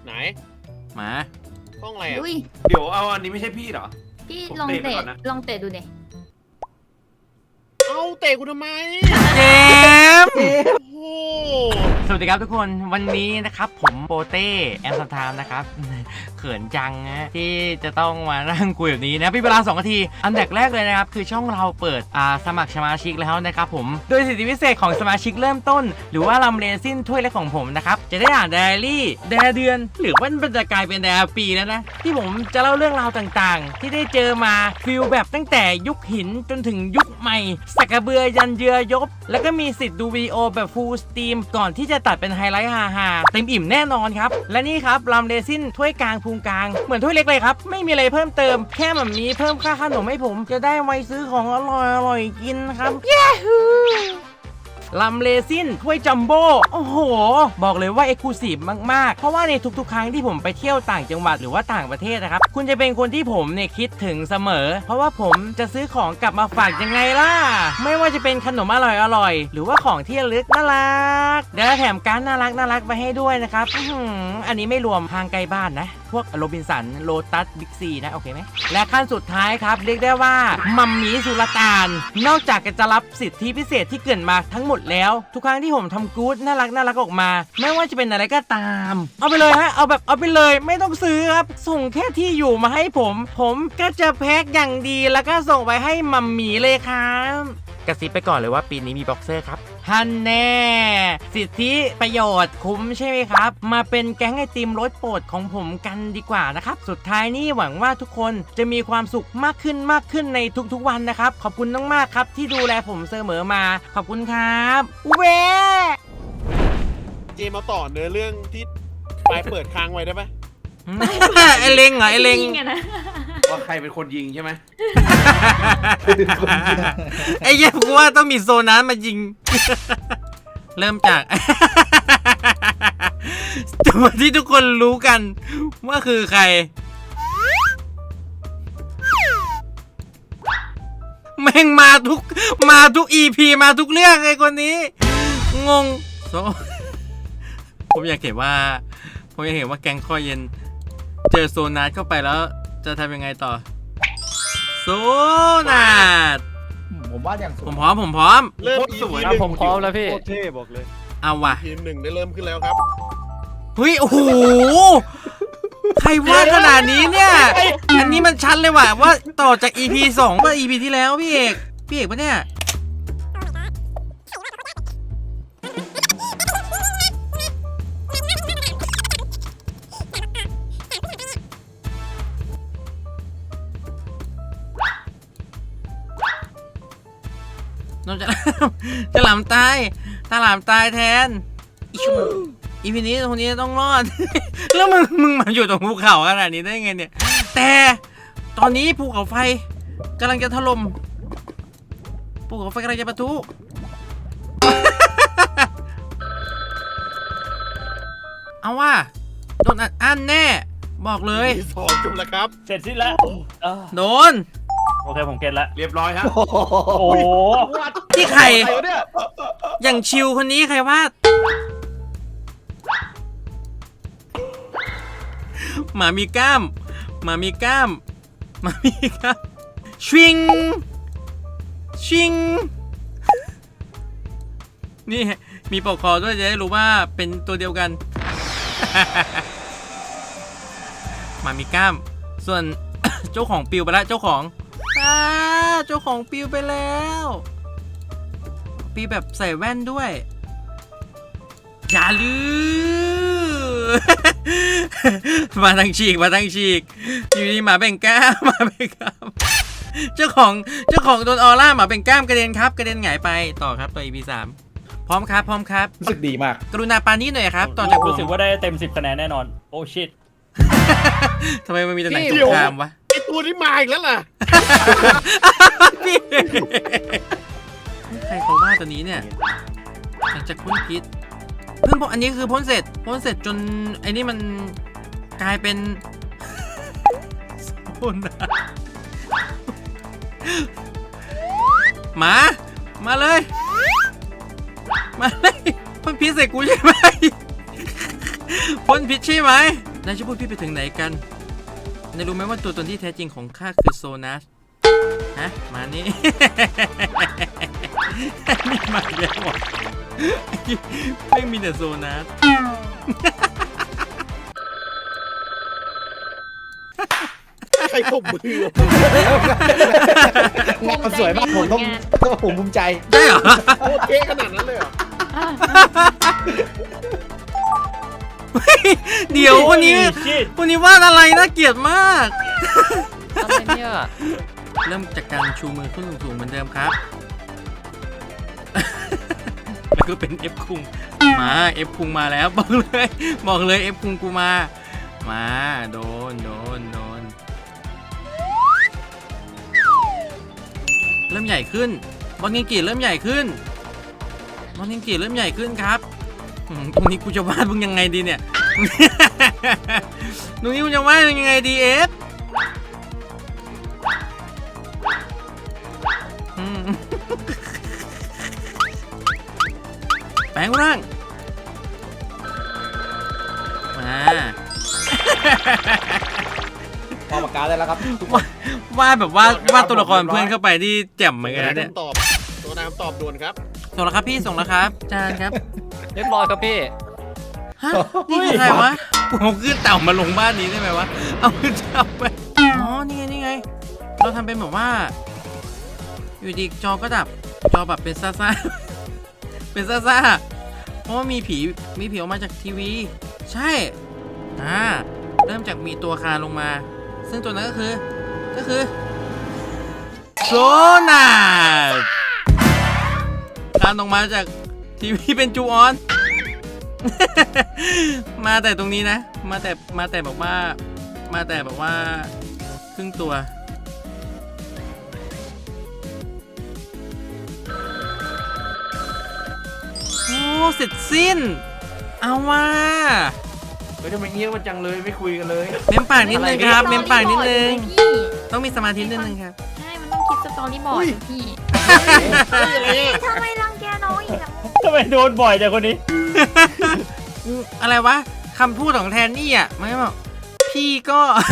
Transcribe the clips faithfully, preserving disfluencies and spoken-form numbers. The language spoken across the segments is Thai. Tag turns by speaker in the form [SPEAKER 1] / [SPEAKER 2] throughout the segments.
[SPEAKER 1] ไหน
[SPEAKER 2] มา
[SPEAKER 1] ห้องอะไรอ่ะ
[SPEAKER 3] เดี๋ยวเอาอันนี้ไม่ใช่พี่เหรอ
[SPEAKER 4] พี่ลองเตะลองเตะดูดิ
[SPEAKER 1] เอาเตะกูทำไม
[SPEAKER 2] เจม
[SPEAKER 1] โอ้โห
[SPEAKER 2] สวัสดีครับทุกคนวันนี้นะครับผมโปเต้แอมซัมไทม์นะครับเขินจังนะที่จะต้องมานั่งคุยแบบนี้นะพี่เวลาสองนาทีอันดับแรกเลยนะครับคือช่องเราเปิดอ่าสมัครสมาชิกแล้วนะครับผมโดยสิทธิพิเศษของสมาชิกเริ่มต้นหรือว่าลำเรซินถ้วยแรกของผมนะครับจะได้อ่านไดอารี่ไดอาเดือนหรือว่ามันจะกลายเป็นไดอาปีแล้วนะที่ผมจะเล่าเรื่องราวต่างๆที่ได้เจอมาฟิลแบบตั้งแต่ยุคหินจนถึงยุคใหม่สักกระเบือยันเยือยบแล้วก็มีสิทธิ์ดูวิดีโอแบบฟูลสตรีมก่อนที่จะตัดเป็นไฮไลท์ฮาๆเต็มอิ่มแน่นอนครับและนี่ครับลำเรซินถ้วยกลางพุงกลางเหมือนถ้วยเล็กเลยครับไม่มีอะไรเพิ่มเติมแค่แบบนี้เพิ่มค่าขนมให้ผมจะได้ไว้ซื้อของอร่อยอร่อยกินครับเย้ฮูลำเรซินถ้วยจัมโบ้โอ้โหบอกเลยว่าเอ็กซ์คลูซีฟมากๆเพราะว่าในทุกๆครั้งที่ผมไปเที่ยวต่างจังหวัดหรือว่าต่างประเทศนะครับคุณจะเป็นคนที่ผมเนี่ยคิดถึงเสมอเพราะว่าผมจะซื้อของกลับมาฝากยังไงล่ะไม่ว่าจะเป็นขนมอร่อยๆหรือว่าของที่ระลึกน่ารักเดี๋ยวแถมการน่ารักน่ารักไปให้ด้วยนะครับอันนี้ไม่รวมทางไกลบ้านนะพวกโรบินสันโลตัสบิ๊กซีนะโอเคไหมและขั้นสุดท้ายครับเรียกได้ว่ามัมมี่สุลต่านนอกจากจะรับสิทธิพิเศษที่เกินมาทั้งหมดแล้วทุกครั้งที่ผมทำกู๊ดน่ารักน่ารักออกมาไม่ว่าจะเป็นอะไรก็ตามเอาไปเลยฮะเอาแบบเอาไปเลยไม่ต้องซื้อครับส่งแค่ที่อยู่มาให้ผมผมก็จะแพ็คอย่างดีแล้วก็ส่งไปให้มัมมี่เลยครับกระซิบไปก่อนเลยว่าปีนี้มีบ็อกเซอร์ครับฮันแน่สิทธิประโยชน์คุ้มใช่ไหมครับมาเป็นแก๊งไอติมรสโปรดของผมกันดีกว่านะครับสุดท้ายนี้หวังว่าทุกคนจะมีความสุขมากขึ้นมากขึ้นในทุกๆวันนะครับขอบคุณมากๆครับที่ดูแลผมเสมอมาขอบคุณครับเว้
[SPEAKER 1] เจมาต่อเนื้อเรื่องที่ปลายเปิดค้างไว้ได้ปะ
[SPEAKER 2] ไอเล็งเหรอไอเล็ง
[SPEAKER 3] ว่าใครเป็นคนยิงใช่ไหม
[SPEAKER 2] ไอ้เหี้ยกูว่าต้องมีโซนั้นมายิงเริ่มจากตัวที่ทุกคนรู้กันว่าคือใครแม่งมาทุกมาทุก อี พี มาทุกเรื่องไอ้คนนี้งงโซผมอยากเห็นว่าผมอยากเห็นว่าแก๊งคอเย็นเจอโซนัสเข้าไปแล้วจะทำยังไงต่อโซนัส
[SPEAKER 5] ผมว่าอย่าง
[SPEAKER 2] ผมพร้อมผมพร้อม
[SPEAKER 1] เริ่มสวย
[SPEAKER 6] ผมพร้อมแล้วพี่
[SPEAKER 1] โคตรเท่บอกเลย
[SPEAKER 2] เอาว่ะ
[SPEAKER 1] ทีมหนึ่งได้เริ่มขึ้นแล้วครับ
[SPEAKER 2] เฮ้ยโอ้โหใครวาดขนาดนี้เนี่ยอันนี้มันชัดเลยว่ะว่าต่อจาก อี พี สองมา อี พี ที่แล้วพี่เอกพี่เอกปะเนี่ยน้องจะจะหลามตายถ้าหลามตายแทนอีพีนี้คนนี้ต้องรอดแล้วมึงมึงมาอยู่ตรงภูเขาขนาดนี้ได้ไงเนี่ยแต่ตอนนี้ภูเขาไฟกำลังจะถล่มภูเขาไฟกำลังจะปะทุเอาว่าโดนอัดแน่บอกเลย
[SPEAKER 1] สองจบแล้วครับ
[SPEAKER 6] เสร็จสิ้นแล้ว
[SPEAKER 2] โดน
[SPEAKER 6] โอเคผมเก็ตแล้ว
[SPEAKER 3] เรียบร้อยครับ
[SPEAKER 6] โอ้โห
[SPEAKER 2] ที่ใครอย่างชิวคนนี้ใครวาดหมามีกล้ามหมามีกล้ามหมามีกล้ามชิงชิงนี่มีปกคอด้วยจะได้รู้ว่าเป็นตัวเดียวกันหมามีกล้ามส่วน เจ้าของปิวไปแล้วเจ้าของเจ้าของปิวไปแล้วปิวแบบใส่แว่นด้วยอย่าลืม มาทางฉีกมาทางฉีกอยู่ดีหมาเบ่งกล้ามหมาเบ่งกล้ามเจ้าของเจ้าของโดนออร่าหมาเบ่งกล้ามกระเด็นครับกระเด็นหงายไปต่อครับตัว อี พี สามพร้อมครับพร้อมครับ
[SPEAKER 5] รู้สึกดีมาก
[SPEAKER 2] กรุณาปานี้หน่อยครับต่อจากผม
[SPEAKER 6] รู้สึกว่าได้เต็มสิบคะแนนแน่นอนโอ้ชิต
[SPEAKER 2] ทำไมมันมีแต่หนังสงครามวะ
[SPEAKER 1] ไอตัวนี้มาอีกแล้วล่ะ
[SPEAKER 2] พี่ใครเขาว่าตัวนี้เนี่ยหลังจากพ่นพิษเพิ่งอันนี้คือพ่นเสร็จพ่นเสร็จจนไอ้นี่มันกลายเป็นโซนหมามาเลยมาเลยพ่นพิษใส่กูใช่ไหมพ่นพิษใช่ไหมนายจะพูดพี่ไปถึงไหนกันนายรู้ไหมว่าตัวตนที่แท้จริงของข้าคือโซนัสฮะมานี่ นี่มาแล้วอ่ะไม่มีแต่โซนัส
[SPEAKER 1] ใครตบมือ
[SPEAKER 5] งานมันสวยมากผมต้องผมภูมิใจ
[SPEAKER 2] ได้เหรอ
[SPEAKER 1] โคตรเท่ขนาดนั้นเลยเหรอ
[SPEAKER 2] เดี๋ยววันนี้วันนี้วาดอะไรน่าเกลียดมาก
[SPEAKER 6] อะไรเนี่ย
[SPEAKER 2] เริ่มจากการชูมือขึ้นสูงๆเหมือนเดิมครับ แล้วก็เป็น F คุงมา F คุงมาแล้วบอกเลยบอกเลย F คุงกูมามาโดนโดนโดนเริ่มใหญ่ขึ้นบอลยิงกีเริ่มใหญ่ขึ้นบอลยิงกีเริ่มใหญ่ขึ้นครับอืมตรงนี้กูจะวาดมึงยังไงดีเนี่ย ตรงนี้กูจะวาดมึงยังไงดีเอฟอืม แปลงร่างมา
[SPEAKER 5] พอปากกาได้แล้วครับทุกคน
[SPEAKER 2] วาดแบบว่าวาดตัวละครเพื่อนเข้าไปที่แจ่มเหมือนกันนะเนี่ย
[SPEAKER 1] คำตอบตัวน้ำตอบด่วนครับ
[SPEAKER 2] ส่งแล้วครับพี่ส่งแล้วครับจานครับ
[SPEAKER 6] เรียบร้อยครับพี่
[SPEAKER 2] ฮะนี่คือใครวะเอาขึ้นเต่ามาลงบ้านนี้ได้ไหมวะเอาขึ้นเต่าไปอ๋อนี่ไงนี่ไงเราทำเป็นแบบว่าอยู่ดีจอก็ดับจอแบบเป็นซ่าซ่า เป็นซ่าซ่าเพราะว่ามีผีมีผีออกมาจากทีวีใช่อ่าเริ่มจากมีตัวคานลงมา ซึ่งตัวนั้นก็คือก็คือโซนาคานลงมาจากทีวีเป็นจูออน มาแต่ตรงนี้นะมาแต่มาแต่แบบว่ามาแต่แบบว่าครึ่งตัวโอ้เสร็จสิ้นเอาว่า
[SPEAKER 3] เฮ้ยทำไมเงี้ยมันจังเลยไม่คุยกันเลย
[SPEAKER 2] เม้มปากนิดนึงครับ เม้มปากนิดนึง
[SPEAKER 4] พี่
[SPEAKER 2] ต้องมีสมาธินิดนึงครับ
[SPEAKER 4] ใช่มันต้องคิดสตอรี่บอร์ดพี่
[SPEAKER 1] อะไรอ่ะ
[SPEAKER 4] ทำไมรังแกน้องอีกอะ
[SPEAKER 6] ทำไมโดนบ่อยจังคนนี้
[SPEAKER 2] อะไรวะคำพูดของแทนนี่อ่ะไม่บอกพี่ก็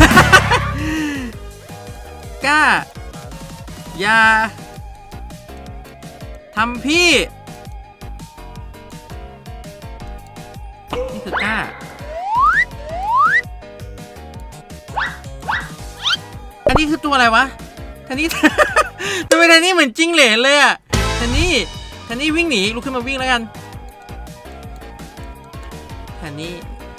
[SPEAKER 2] กล้าอย่าทำพี่นี่คือกล้าอันนี้คือตัวอะไรวะแทนนี่ ทำไมแทนนี่เหมือนจิ้งเหลนเลยอ่ะแทนนี่แทนนี่วิ่งหนีลุกขึ้นมาวิ่งแล้วกันแทนนี่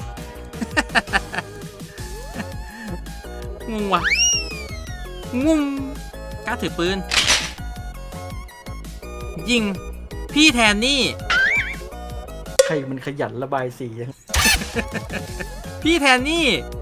[SPEAKER 2] งงว่ะงงกล้าถือปืนยิงพี่แทนนี่
[SPEAKER 5] ใครมันขยันระบายสียัง
[SPEAKER 2] พี่แทนนี่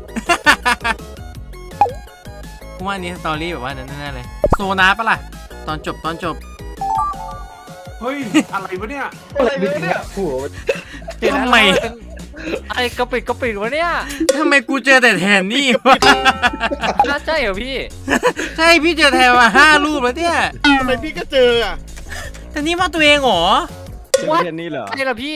[SPEAKER 2] กูว่าอันนี้สตอรี่แบบว่านั้นแน่ๆเลยโซนาปะล่ะตอนจบตอนจบ
[SPEAKER 3] เฮ้ย อะไรวะเนี่ย
[SPEAKER 5] อะไรเนี่ยผัว
[SPEAKER 2] ทำไม
[SPEAKER 6] ไอ้กระปิดกระปิดวะเนี่ย
[SPEAKER 2] ทำไมกูเจอแต่แทนนี่วะ
[SPEAKER 6] น่าใช่เหรอพี่
[SPEAKER 2] ใช่พี่เจอแทนมาห้ารูปแล้วเนี่ย
[SPEAKER 1] ทำไมพี่ก็เจออ่ะ
[SPEAKER 2] แทนนี่ว่าตัวเองเหรอ
[SPEAKER 6] ว่าแค่นี้เหรอใช่เหรอพี่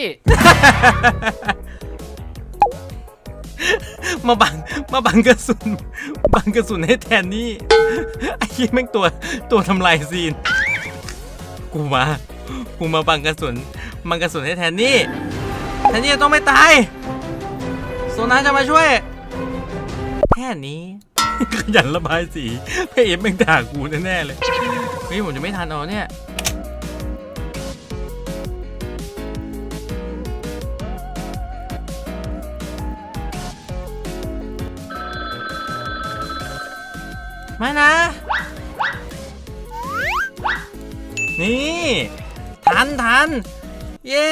[SPEAKER 2] มาบังมาบังกระสุนบังกระสุนให้แทนนี่ไอ้ยี่แม่งตัวตัวทำลายซีนกูมากูมาบังกระสุนบังกระสุนให้แทนนี่แทนนี่ต้องไม่ตายโซนาจะมาช่วยแค่นี้ ขยันระบายสีพี่เอฟแม่งด่ากูแน่ๆเลยเฮ้ยผมจะไม่ทันเอาเนี่ยมานะ นี่ทันทันเย้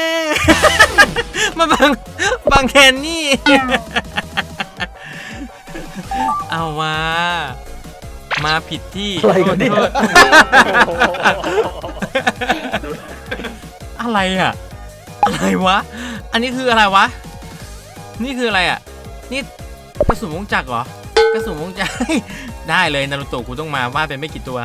[SPEAKER 2] มาบังบังแคนนี่ เอาว่ามาผิดที่
[SPEAKER 5] อะไรกันเนี่ย
[SPEAKER 2] โทษอะไรอ่ะ อะไรวะ อันนี้คืออะไรวะ นี่คืออะไรอ่ะ นี่กระสุนวงจักรเหรอ กระสุนวงจักร ได้เลยนารูโตะกูต้องมาวาดเป็นไม่กี่ตัว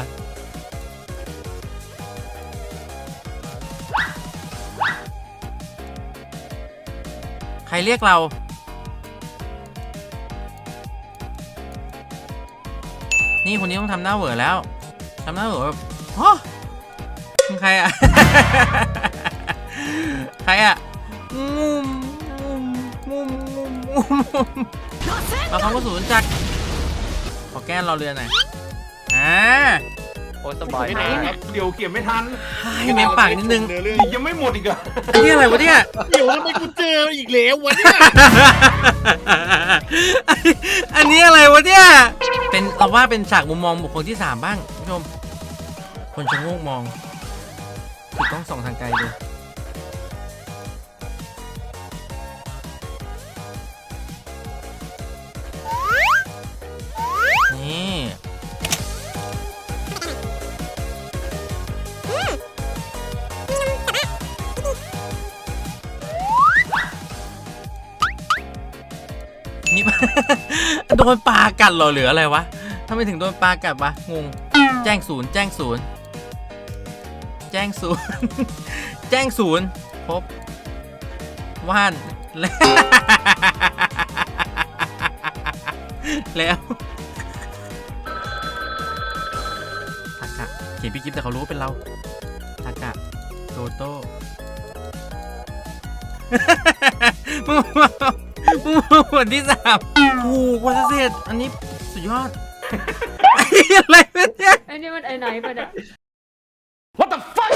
[SPEAKER 2] ใครเรียกเรานี่คนนี้ต้องทำหน้าเหวอแล้วทำหน้าเหวอแบบฮะมึงใครอะ ใครอะงุมงุมงุมงุมงุมมาเขาก็ศูนย์จักรขอแก้เราเรือหน่อยอ่า
[SPEAKER 6] โอ้สบาย
[SPEAKER 1] ไม่
[SPEAKER 6] มาก
[SPEAKER 1] นานครับ
[SPEAKER 3] เดี๋ยวเขียนไม่ทัน
[SPEAKER 2] ให้เมมปากนิดนึง
[SPEAKER 1] เนื้อเรื่อง
[SPEAKER 3] อีกยังไม่หมดอีกเหรอ
[SPEAKER 2] อันนี้อะไรวะเนี่ย
[SPEAKER 1] เดี๋ยวทำไมกูเจออีกแล้ววะเนี่ย
[SPEAKER 2] อันนี้อะไรวะเนี่ย เป็นเราว่าเป็นฉากมุมมองบุคคลที่สามบ้างคุณผู้ชม คนชะโงกมองติดกล้องส่องทางไกลดูนี่ นี่ โดนปลากัดเหรอหรืออะไรวะทำไมถึงโดนปลากัดวะงงแจ้งศูนย์แจ้งศูนย์แจ้งศูนย์ แจ้งศูนย์พบว่าน แล้ว แล้วทากะเขียนพี่กิ๊ฟแต่เขารู้ว่าเป็นเราทากะโตโต้ มึงมึงผลที่สามถูกกว่าจะเสร็จอันนี้สุดยอด อะไรเนี่ย
[SPEAKER 4] ไอ้นี่มันไอ้ไหนไปเนี่ย
[SPEAKER 3] What the fuck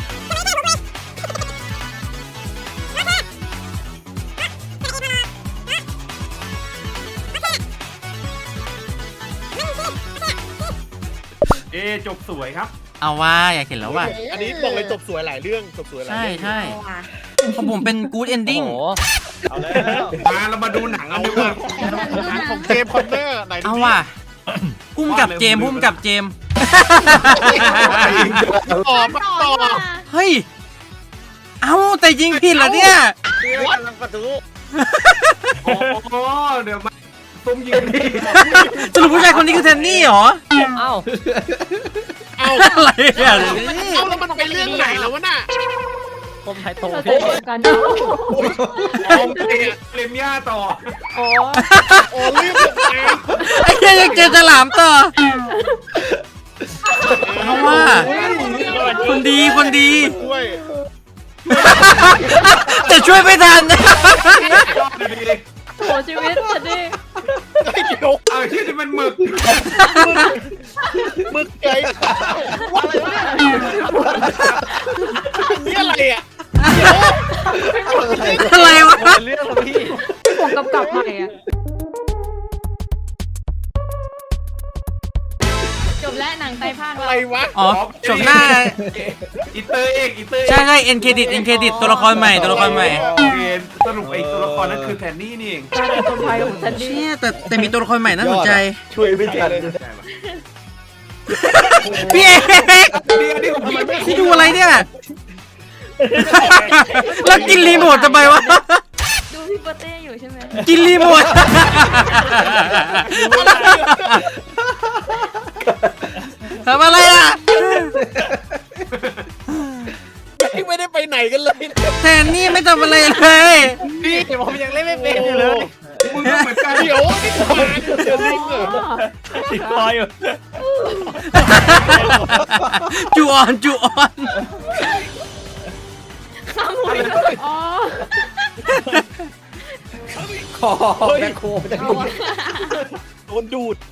[SPEAKER 3] เอะจบสวยครับ
[SPEAKER 2] เอาว่าอยากเห็นแล้วว่ะ
[SPEAKER 1] อันนี้บอกเลยจบสวยหลายเรื่องจบสวยหลาย
[SPEAKER 2] ใช่
[SPEAKER 1] เรื่อง
[SPEAKER 2] ใช่ของผมเป็น good
[SPEAKER 6] โอ้
[SPEAKER 2] ending
[SPEAKER 6] โห
[SPEAKER 1] เอาแล้ว
[SPEAKER 3] มาเรามาดูหนังกั
[SPEAKER 1] เอา
[SPEAKER 3] นดีก
[SPEAKER 1] ว่ะ
[SPEAKER 3] ว่า
[SPEAKER 1] หนังของเจมส์คอนเนอร์ไหนดู
[SPEAKER 2] เอา
[SPEAKER 1] ดิ
[SPEAKER 2] ว่ะพุ่มกับเจมส์พุ่มกับเจมส์
[SPEAKER 1] ต่อมาต่อ
[SPEAKER 2] เฮ้ย เอาแต่ยิงผิดเหรอเนี่ย
[SPEAKER 1] วัดประตู
[SPEAKER 3] โอ้โหเดี๋ยวมาตุ้มยิงดี
[SPEAKER 2] สรุปผู้ชายคนนี้คือแทนนี่เหรอ
[SPEAKER 6] เอ้า
[SPEAKER 1] เอา
[SPEAKER 2] อะไรอ่ะ
[SPEAKER 1] เอาแล้วมันไปเรื่องไหนแล้ววะน่ะ
[SPEAKER 6] ผมไทยโต
[SPEAKER 4] เรา
[SPEAKER 6] พี่
[SPEAKER 4] เจอกัน
[SPEAKER 3] โอ้เตะเลมย่าต่อ
[SPEAKER 4] อ๋อ
[SPEAKER 1] โอ้เรื่องแบบไหน
[SPEAKER 2] ไอ้เหี้ยยังเจอฉลามต่อ เอาว่ะ คนดีคนดี
[SPEAKER 1] ด้วย
[SPEAKER 2] แต่ช่วยไม่ทัน
[SPEAKER 3] ยอดดี
[SPEAKER 4] โหชีวิตฉันดิ
[SPEAKER 1] ไอ้เดี๋ยว
[SPEAKER 3] ๆเอาที่นี่มันหมึก
[SPEAKER 1] มึกไก่อะไรวะนี่อะไรอ่ะเดี๋ยว
[SPEAKER 2] อะไรวะ
[SPEAKER 6] เรื่องแล้วพี่
[SPEAKER 4] ผมกำกับใหม่อะจบแล้วหนังไตรภาค
[SPEAKER 1] อะไรวะ
[SPEAKER 2] อ๋อจบหน้า
[SPEAKER 3] อีเตอร์เอกอีเตอร์
[SPEAKER 2] ใช่ใช่เอ็นเครดิตเอ็นเครดิตตัวละครใหม่ตัวละครใหม่
[SPEAKER 3] โอเคสรุปไอ้ตัวละครนั้นคือแทนนี่นี่เอง
[SPEAKER 4] การเป็นคนไทยของฉันดิ
[SPEAKER 2] เชี่ยแต่แต่มีตัวละครใหม่น่าสนใจ
[SPEAKER 5] ช่วยไม่ทัน
[SPEAKER 2] พี่เอก
[SPEAKER 3] นี่อันนี้ผมไม่
[SPEAKER 2] พี่ดูอะไรเนี่ย แล้วกินรีโมททำไมวะ
[SPEAKER 4] ดูพี่โปเต้อยู่ใช่ไหม
[SPEAKER 2] กินรีโมท ทำอะไรอ่ะ
[SPEAKER 1] ไม่ได้ไปไหนกันเลย
[SPEAKER 2] แทนนี่ไม่ทำอะไรเลย
[SPEAKER 6] นี่ผมยังเล่นไม่เป็นอยู่เลย
[SPEAKER 3] มึงก็เหมือนกัน
[SPEAKER 1] เดี๋ยวนี่มาเจอลิงเหรอ
[SPEAKER 6] ติดคออยู่
[SPEAKER 2] จูออนจูออน
[SPEAKER 4] ข้ามหัวอีกแล้วอ๋อ
[SPEAKER 5] คอแม่โคมันจะดู
[SPEAKER 1] โดนดูด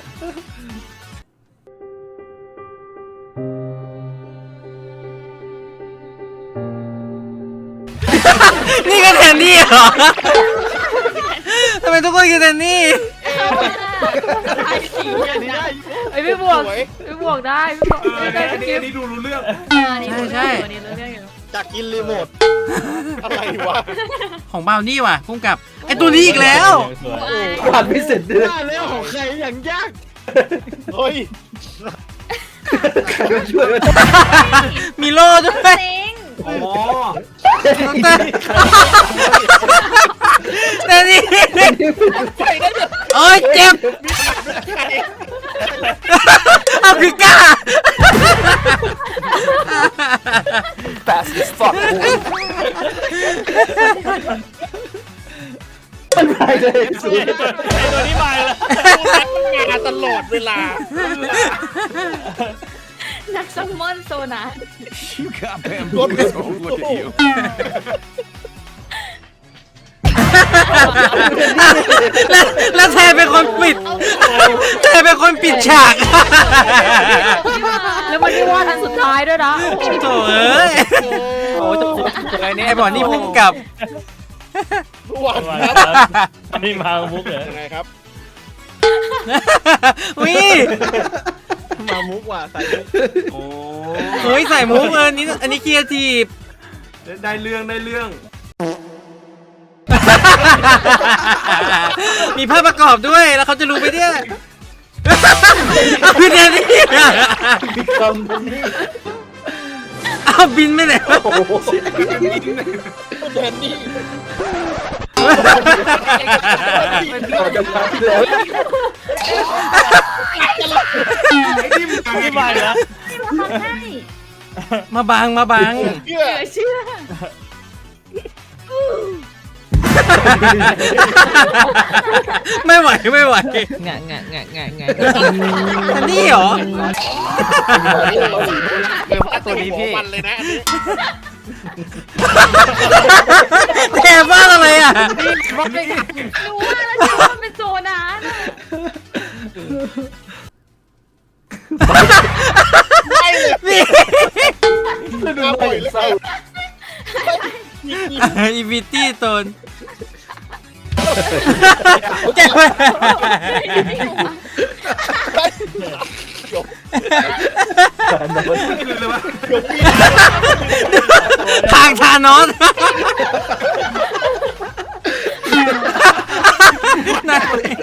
[SPEAKER 2] นี่ก็แทนนี่เหรอ ทำไมทุกคนคือแทนนี่
[SPEAKER 4] ไอ้สีไอ้ไม่บวก
[SPEAKER 1] สวย
[SPEAKER 4] ไม่บวกได้ไม่บวก
[SPEAKER 3] เออ
[SPEAKER 4] ได้
[SPEAKER 3] อัน
[SPEAKER 4] ส
[SPEAKER 3] นี้
[SPEAKER 4] กิ
[SPEAKER 3] อั
[SPEAKER 4] ป
[SPEAKER 3] นนี้ดูรู้เรื่อง
[SPEAKER 2] ใช่
[SPEAKER 4] นี่รู้เรื่องอยู่
[SPEAKER 1] จากกินรีโมทอะไรวะ
[SPEAKER 2] ของบาวนี่ว่ะพุ่งกับ ไอตัวนี้อีกแล้ว
[SPEAKER 5] ผ่านไม่เสร็จเลย
[SPEAKER 1] แล้วของใครอย่างยากเฮ้ย
[SPEAKER 5] ใครมาช่วย
[SPEAKER 2] มีโล่ด้วย
[SPEAKER 4] เซ็ง
[SPEAKER 3] อ๋อ
[SPEAKER 2] น้องเต้แต่นี่
[SPEAKER 1] ไฟนั่นจะ
[SPEAKER 2] โอ้ยเจ็บ
[SPEAKER 1] ใคร
[SPEAKER 2] เอาคือกล้า
[SPEAKER 6] Fast as fuck
[SPEAKER 5] มันไปเลยสุด
[SPEAKER 6] ไอ้ตัวนี้มาแล้ว
[SPEAKER 1] งานตลอดเวลา
[SPEAKER 4] นักซัมมอนโซนา
[SPEAKER 7] You got bamboozled. Look at you.
[SPEAKER 2] แล้วแล้วแทนเป็นคนปิดแทนเป็นคนปิดฉาก
[SPEAKER 4] แล้วมันไม่ว่าทันสุดท้ายด้วยนะ
[SPEAKER 2] โถ่เอ้ย
[SPEAKER 6] โอ้จะอะไรเนี่ย
[SPEAKER 2] ไอ้บอลนี่พุ่งกับ
[SPEAKER 1] หวาน
[SPEAKER 6] มา
[SPEAKER 1] ครับ
[SPEAKER 6] ครับนี่มามุกเหรอ
[SPEAKER 1] ยังไงครับ
[SPEAKER 2] วิ
[SPEAKER 1] มามุกว่ะใส่มุก
[SPEAKER 3] โอ้
[SPEAKER 2] เฮ้ยใส่มุกเออนี่อันนี้ครีเอทีฟ
[SPEAKER 3] ได้เรื่องได้เรื่อง
[SPEAKER 2] มีภาพประกอบด้วยแล้วเขาจะรู้ไปเนี่ยเอาพี่แดนนี่
[SPEAKER 5] คำนี้
[SPEAKER 2] เอาบินไปไหนวะ
[SPEAKER 5] โอ้โห
[SPEAKER 1] แทนนี่
[SPEAKER 5] เราจะมาที่แล้ว
[SPEAKER 3] ไอ้นี่มึง
[SPEAKER 6] นี่มาแล้ว
[SPEAKER 4] ให้
[SPEAKER 2] มาบังมาบัง
[SPEAKER 1] เชื่อ
[SPEAKER 4] เชื่อ
[SPEAKER 2] ไม่ไหวไม่ไหว
[SPEAKER 6] งะงะงะงะงะ
[SPEAKER 2] อันนี้เหรอ
[SPEAKER 1] เดี๋ยวว่าตัวนี้พี่มันเลยนะอันนี้
[SPEAKER 2] แกบ้าอะไรอ่ะ
[SPEAKER 4] รู้ว่าแล้วคิดว่ามันเป็นโซนาน่ะ
[SPEAKER 1] ไม่เลย
[SPEAKER 2] นี่
[SPEAKER 1] มาบ่อยเลย
[SPEAKER 5] เศร้า
[SPEAKER 2] อีวิตี้ตนแกไป
[SPEAKER 5] การนอน
[SPEAKER 3] ไม่รู้เลยวะ
[SPEAKER 2] ทางทานอสนั่น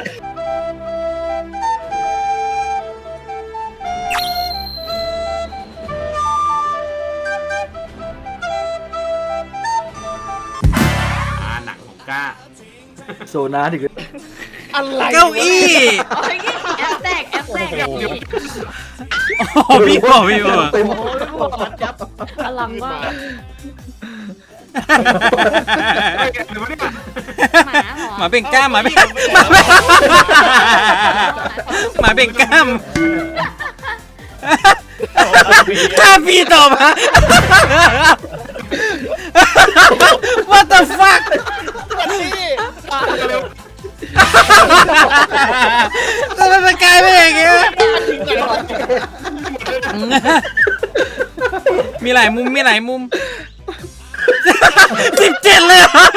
[SPEAKER 3] อ่าหนังของก้า
[SPEAKER 5] โซนาดิคือ
[SPEAKER 1] อะไร
[SPEAKER 2] เก้าอี้
[SPEAKER 4] โอ้ยแอปแตกแอปแตก
[SPEAKER 2] โอ้พี่บอกพี่บอก
[SPEAKER 5] เต็ม
[SPEAKER 4] อลังว่า
[SPEAKER 3] ไม่แกหรือวะเนี่ย
[SPEAKER 4] หมาเหรอ
[SPEAKER 2] หมาเบ่งกล้ามหมาเบ่งหมาเบ่งหมาเบ่งกล้ามกล้าพี่ตอบฮะ What the fuck ทำไมมันกลายเป็นอย่างเงี้ยมีหลายมุมมีหลายมุมสิบเจ็ดเลยเหรอ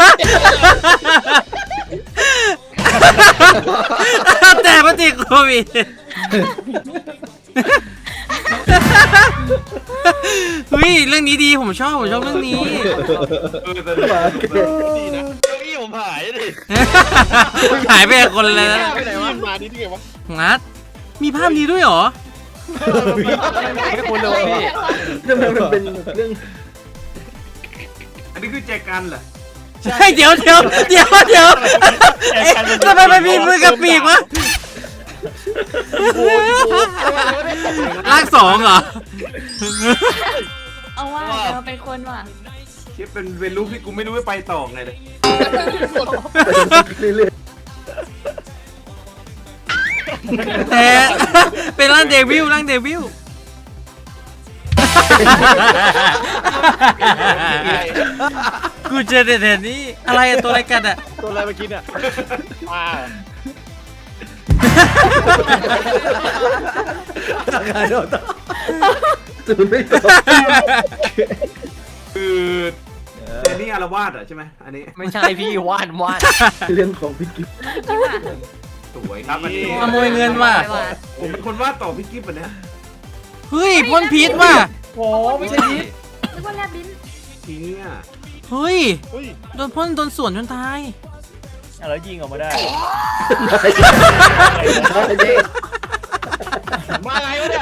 [SPEAKER 2] แต่ปฏิโควิดเฮ้ยเรื่องนี้ดีผมชอบผมชอบเรื่องนี้
[SPEAKER 3] เออแต่
[SPEAKER 5] มาเก
[SPEAKER 1] ดีนะ
[SPEAKER 6] เก้าอี้ผมหายดิ
[SPEAKER 2] หายไปกับคนเลยนะ
[SPEAKER 1] ไปไหนวะมานี่ที่ไงวะ
[SPEAKER 2] งัดมีภาพนี้ด้วยเหรอ
[SPEAKER 6] ไม่คุ้นเลยพี่
[SPEAKER 5] ทำไมมันเป็นเรื่อง
[SPEAKER 3] อันนี้คือแจกันเหรอ
[SPEAKER 2] ใช่เดี๋ยวเดี๋ยวเดี๋ยวเดี๋ยวเอ๊ะทำไมมันมีมือกับปีกวะลากสองเหรอ
[SPEAKER 4] เอาว่าเราเป็นคนว่ะ
[SPEAKER 3] คิดเป็นเป็นลูกที่กูไม่รู้ว่าไปต่อไงเลย
[SPEAKER 5] ไปเรื่อย
[SPEAKER 2] แต่เป็นร่างเดวิลร่างเดวิลกูเจอแต่นี้อะไรอะตัวอะไรกันอะ
[SPEAKER 6] ตัวอะไรมากินอ่ะ
[SPEAKER 1] ว้าว
[SPEAKER 5] ๆทำงานเราต้องตื่นไม่ตก
[SPEAKER 3] คือแต่นี่อารวาสเหรอใช่ไหมอันนี้
[SPEAKER 6] ไม่ใช่พี่ว่านว่าน
[SPEAKER 5] เรื่องของพี่กิ๊ฟ
[SPEAKER 4] คิดว่า
[SPEAKER 3] สวยครับอันนี้
[SPEAKER 2] ขโมยเงินว่ะ
[SPEAKER 3] ผมเป็นคนวาดต่อพี่กิ๊ฟอันเนี้ย
[SPEAKER 2] เฮ้ยพ่นพิษว่ะ
[SPEAKER 6] โอ้ไม่ใช่พี่
[SPEAKER 4] นึกว่าแลบลิ้น
[SPEAKER 3] ทีเนี้ย
[SPEAKER 2] เฮ้ย
[SPEAKER 1] เฮ้ย
[SPEAKER 2] โดนพ่นโดนสวนจนตาย
[SPEAKER 6] แล้วยิงออกมาได้
[SPEAKER 1] มาไงวะเนี่ย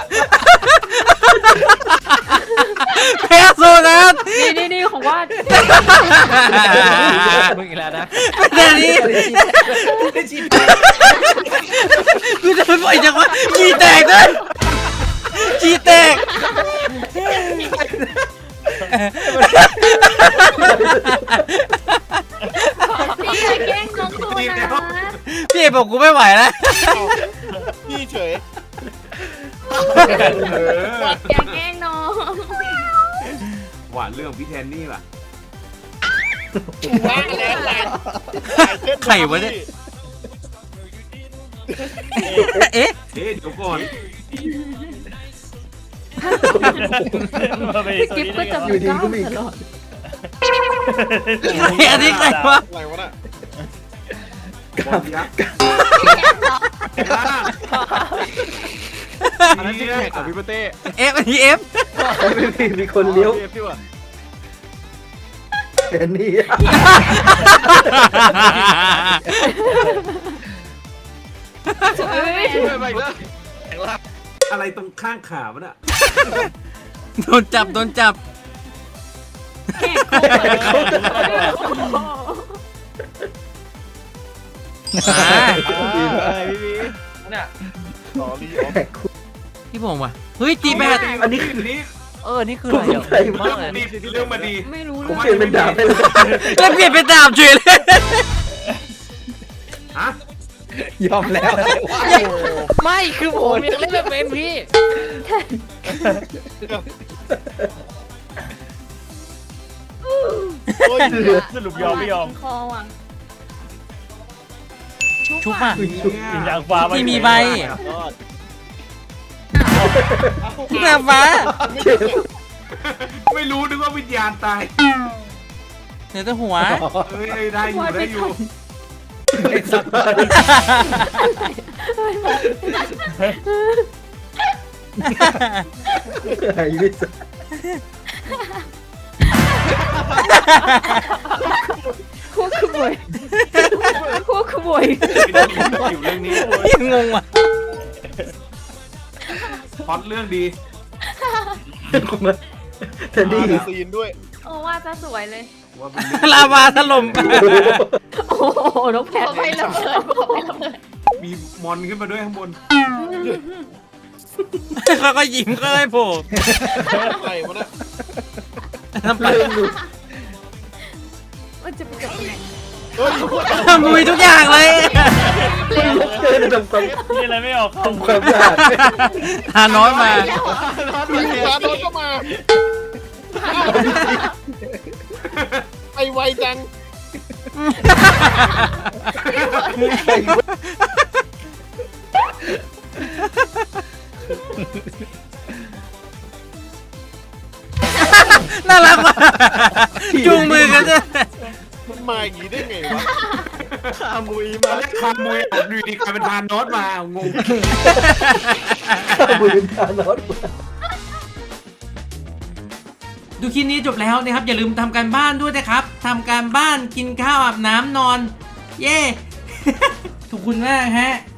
[SPEAKER 2] แพ้โซนัส
[SPEAKER 4] นี่นี่นี่ของว่า
[SPEAKER 6] มึงอีกแล้วนะ
[SPEAKER 2] แต่นี้กูจะปล่อยจังวะขี้แตกด้วยขี้แตก
[SPEAKER 4] พี่อย่าแกล้งน้องโซนา
[SPEAKER 2] พี่บอกกูไม่ไหวแล้ว
[SPEAKER 1] เอาพี่เฉย
[SPEAKER 3] เออ
[SPEAKER 4] อย่าแกล้งน้อง
[SPEAKER 3] หวานเรื่องพี่แทนนี่ว่ะ
[SPEAKER 1] ว่างแล้วหลายหลายเส้น
[SPEAKER 2] ไข่วะเนี่ย เอ๊ะ
[SPEAKER 3] เอ๊ะเดี๋ยวก่อน
[SPEAKER 4] พี่กิฟก็จะ
[SPEAKER 5] อยู่ดีก็มี
[SPEAKER 4] ตลอด
[SPEAKER 2] ใครอันนี้ใครวะ
[SPEAKER 1] อะไรวะน่ะ
[SPEAKER 3] บอลยักษ์อันนั้นที่แข่งของพี่เปเต้
[SPEAKER 2] เอฟอันนี้เอฟ
[SPEAKER 5] ไม่มีมีคนเลี้ยว
[SPEAKER 3] เอฟดีกว่า
[SPEAKER 5] แทนนี่
[SPEAKER 4] เฮ้ย
[SPEAKER 3] ไปอีกแล้วอะไรตรงข้างขามันอะ
[SPEAKER 2] โดนจับโดนจับ
[SPEAKER 4] แข่งโคตร
[SPEAKER 2] อ่า
[SPEAKER 6] เนี่ย
[SPEAKER 1] ต่อรีออฟ
[SPEAKER 2] พี่บงว่ะเฮ้ยตีแบด
[SPEAKER 3] อันนี้คือนี้
[SPEAKER 6] เออ นี่คืออะไรอ่ะ
[SPEAKER 5] ใคร
[SPEAKER 6] มากเลย
[SPEAKER 3] นี่เรื่องมาดี
[SPEAKER 4] ไม่รู้
[SPEAKER 5] ผม
[SPEAKER 4] เลย
[SPEAKER 5] เปลี่ยนเป็นดาบไปเลย
[SPEAKER 2] แล้วเปลี่ยนเป็นดาบเฉยเลย
[SPEAKER 3] ฮะ
[SPEAKER 5] ยอมแล้ว
[SPEAKER 6] ไม่คือผมยังเล่นไม่เป็นพี่
[SPEAKER 1] โอ้ย
[SPEAKER 8] สรุปยอมไม่ยอม
[SPEAKER 4] คอวัง
[SPEAKER 2] ชุบอ่ะ
[SPEAKER 8] วิญญาณฟ้า
[SPEAKER 2] ที่มีใบ
[SPEAKER 1] ยอด
[SPEAKER 2] นางฟ้า
[SPEAKER 3] ไม่รู้นึกว่าวิญญาณตาย
[SPEAKER 2] เนื้อตัวหัว
[SPEAKER 3] เอ้ยได้อยู่ได้อยู่
[SPEAKER 5] ไอ้ไม่ส
[SPEAKER 4] คู่ขโมยคู่ขโมย
[SPEAKER 3] อยู่เรื่องนี้
[SPEAKER 2] ยังงงว่ะ
[SPEAKER 3] พล็อตเรื่องดี
[SPEAKER 5] แทนนี่
[SPEAKER 1] มีซีนด้วย
[SPEAKER 4] โอ้ว่าจะสวยเลย
[SPEAKER 3] ว่าเป็นเรื่อง
[SPEAKER 2] ลาวาถล่ม
[SPEAKER 4] โอ้โหน้องแพทไม่ระเบิดไม่ระเบิด
[SPEAKER 3] มีมอนขึ้นมาด้วยข้างบน
[SPEAKER 2] เขาก็ยิ้มก็เลยโผล่
[SPEAKER 1] อะไรวะน่ะ
[SPEAKER 2] น้ำปลา
[SPEAKER 4] มันจะไปจบที่ไหน
[SPEAKER 1] เฮ้ย
[SPEAKER 2] มุยทุกอย่างเลย
[SPEAKER 5] เกินทำความ
[SPEAKER 8] นี่อะไรไม่ออกเข้า
[SPEAKER 5] ทำความสะอาด
[SPEAKER 2] หาน้อยมา
[SPEAKER 1] มีร้านโน้นก็มาไอไวจัง
[SPEAKER 2] น่ารักว่ะจูงมือกันด้วย
[SPEAKER 1] มันมาอย่างนี้ได้ไงวะ
[SPEAKER 3] ขามุยมาแล้วขามุยออกดูดีกลายเป็นทานโนตมางง
[SPEAKER 5] ข้าวมือเป็นทานอส
[SPEAKER 2] ดูคลิปนี้จบแล้วนะครับ อย่าลืมทำการบ้านด้วยนะครับทำการบ้านกินข้าวอาบน้ำนอน เย้ ขอบคุณมากฮะ